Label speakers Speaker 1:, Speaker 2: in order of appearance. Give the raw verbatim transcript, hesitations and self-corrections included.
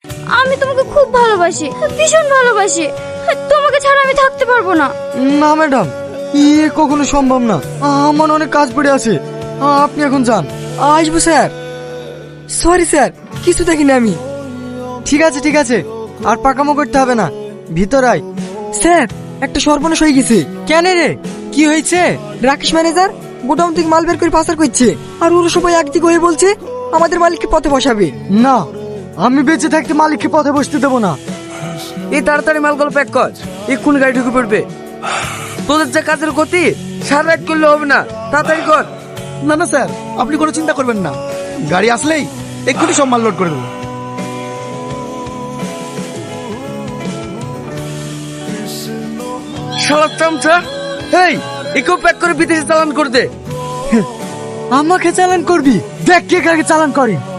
Speaker 1: আমি তোমাকে খুব ভালোবাসি, ভীষণ ভালোবাসি। তোমাকে ছাড়া আমি থাকতে পারবো না।
Speaker 2: না ম্যাডাম, ইয়ে কখনো সম্ভব না। আমার অনেক কাজ পড়ে আছে, আপনি এখন যান। আসবো স্যার। সরি স্যার, কিছু দেখিনি আমি। ঠিক আছে ঠিক আছে, আর পাকামো করতে হবে না, ভিতর আয়। স্যার, একটা সর্বনাশ হয়ে গেছে। কেন রে, কি হয়েছে? রাকেশ ম্যানেজার গোডাউন থেকে মাল বের করে পাচার করছে, আর ওরা সবাই একদিকে হয়ে বলছে আমাদের মালিককে পথে বসাবে। না, আমি বেঁচে থাকতে মালিককে পথে বসতে দেবো না।
Speaker 3: এই তাড়াতাড়ি মালগুলো প্যাক কর, এক্ষুনি গাড়ি ঢুকে পড়বে। তোদের যা কাজের গতি, সারা রাত করলে হবে না, তাড়াতাড়ি কর।
Speaker 4: না না স্যার, আপনি কোনো চিন্তা করবেন না, গাড়ি আসলেই এক্ষুনি সব মাল লোড করে দেবো।
Speaker 3: শালা চামচা, এই একেও প্যাক করে বিদেশে চালান করে দে।
Speaker 2: আমাকে চালান করবি? দেখ কে কাকে চালান করে।